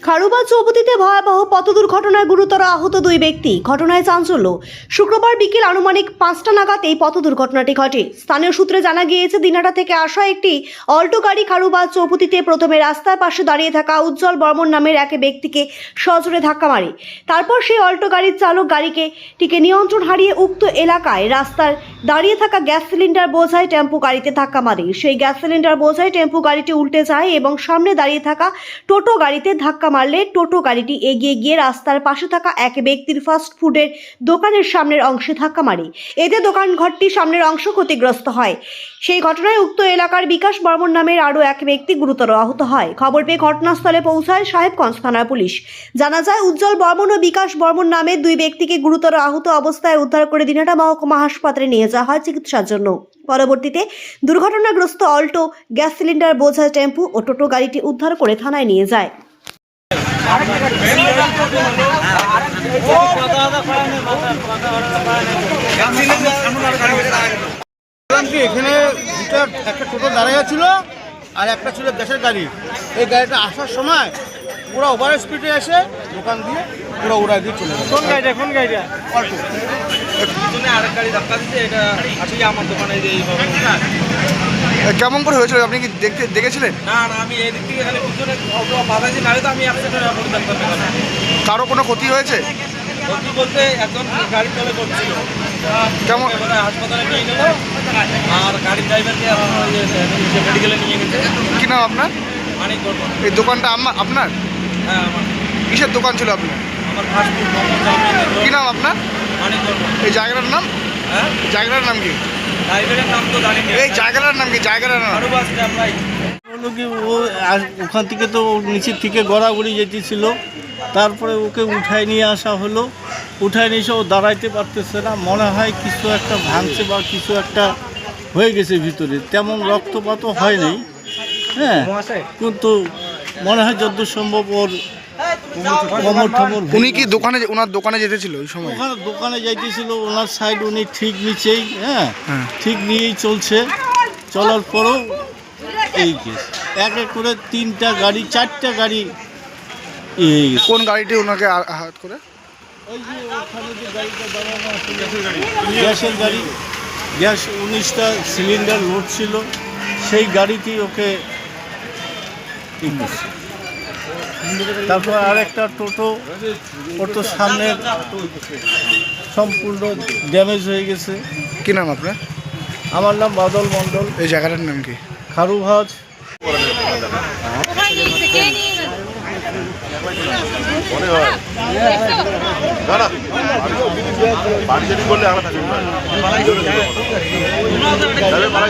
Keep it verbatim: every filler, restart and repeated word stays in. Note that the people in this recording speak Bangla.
খারুবা চৌপতিতে ভয়াবহ পথ দুর্ঘটনায় গুরুতর আহত দুই ব্যক্তি। ঘটনায় চাঞ্চল্য। শুক্রবার বিকেল আনুমানিক পাঁচটা নাগাদ এই পথ দুর্ঘটনাটি ঘটে। স্থানীয় সূত্রে জানা গিয়েছে, দিনহাটা থেকে আসা একটি অল্টো গাড়ি খারুবা চৌপতিতে প্রথমে রাস্তার পাশে দাঁড়িয়ে থাকা উজ্জ্বল বর্মন নামের এক ব্যক্তিকে সজোরে ধাক্কা মারে। তারপর সেই অল্টো গাড়ির চালক গাড়িকে টিকে নিয়ন্ত্রণ হারিয়ে উক্ত এলাকায় রাস্তার দাঁড়িয়ে থাকা গ্যাস সিলিন্ডার বোঝাই টেম্পো গাড়িতে ধাক্কা মারে। সেই গ্যাস সিলিন্ডার বোঝাই টেম্পো গাড়িটি উল্টে যায় এবং সামনে দাঁড়িয়ে থাকা টোটো গাড়িতে ধাক্কা মারলে টোটো গাড়িটি এগিয়ে গিয়ে রাস্তার পাশে থাকা এক ব্যক্তির ফাস্ট ফুডের দোকানের সামনের অংশে ধাক্কা মারে। এতে দোকান ঘরটির সামনের অংশ ক্ষতিগ্রস্ত হয়। সেই ঘটনায় উক্ত এলাকার বিকাশ বর্মন নামের আরও এক ব্যক্তি গুরুতর আহত হয়। খবর পেয়ে ঘটনাস্থলে পৌঁছায় সাহেবগঞ্জ থানার পুলিশ। জানা যায়, উজ্জ্বল বর্মন ও বিকাশ বর্মন নামের দুই ব্যক্তিকে গুরুতর আহত অবস্থায় উদ্ধার করে দিনহাটা মহকুমা হাসপাতালে নিয়ে যাওয়া হয় চিকিৎসার জন্য। পরবর্তীতে দুর্ঘটনাগ্রস্ত অল্টো গ্যাস সিলিন্ডার বোঝা টেম্পু ও টোটো গাড়িটি উদ্ধার করে থানায় নিয়ে যায়। এখানে দুটা একটা টোটো দাঁড়িয়ে ছিল আর একটা ছিল গ্যাসের গাড়ি। এই গাড়িটা আসার সময় পুরো ওভার স্পিডে এসে দোকান দিয়ে পুরো উড়া দিয়ে চলে গেল। কোন গাড়িটা কোন গাড়িটা অল্টো আরেক গাড়ি ধাক্কা দিচ্ছে। এটা আসলে আমার দোকানে যে এইভাবে কেমন করে হয়েছিল, আপনি কি দেখতে দেখেছিলেন? না না আমি এই দিক থেকে খালি পিছনে বাধাইছি, নাহলে তো আমি অ্যাক্সিডেন্ট করে দেখতে পেলাম। কারো কোনো ক্ষতি হয়েছে? ক্ষতি বলতে একজন গাড়ি চলে করছিল, কেমন হাসপাতালে নিয়ে গেল আর গাড়ির ড্রাইভারকে মেডিকেলে নিয়ে গেছে। কি নাম আপনার? মানিক বর্মন। এই দোকানটা আমার আপনার? হ্যাঁ আমার। কিসের দোকান ছিল আপনার? আমার ফাস্টফুড মোমো চাউমিন। কি নাম আপনার? মানিক বর্মন। এই জায়গাটার নাম? হ্যাঁ জায়গাটার নাম কি? ড্রাইভারের নাম তো জানি না। এই জায়গাটার নাম কি? জায়গাটার নাম খারুবা স্ট্যাপ ভাই। হলো কি, ও ওখান থেকে তো নিচের থেকে গড়াগড়ি যেতেছিল, তারপরে ওকে উঠায় নিয়ে আসা হলো। উঠায় নিয়ে এসে ও দাঁড়াইতে পারতেছে না, মনে হয় কিছু একটা ভাঙছে বা কিছু একটা হয়ে গেছে ভিতরে। তেমন রক্তপাতও হয়নি, হ্যাঁ, কিন্তু মনে হয় যতদূর সম্ভব ওর কোমর ঠমর। উনি কি দোকানে ওনার দোকানে যেতেছিল ওই সময়? ওখানে দোকানে যাইতেছিল, ওনার সাইড উনি ঠিক নিচেই, হ্যাঁ হ্যাঁ। ঠিক নিয়েই চলছে। চলার পরও এই কেস, এক এক করে তিনটা গাড়ি চারটা গাড়ি এই কোন গাড়িটি ওনাকে আ- আঘাত করে? ওই যে ওখানে যে গাড়িটা দাঁড়ানো আছে, গ্যাসের গাড়ি, গ্যাস উনিশটা সিলিন্ডার লোড ছিল, সেই গাড়িতেই ওকে ই করছে। তারপর আর একটা টোটো, ওর তো সামনে সম্পূর্ণ ড্যামেজ হয়ে গেছে। কি নাম আপনার? আমার নাম বাদল মণ্ডল, এই জায়গাটার নাম কি? খারুভাজ। মনে হয় না না বাড়ি যদি করলে আমরা থাকি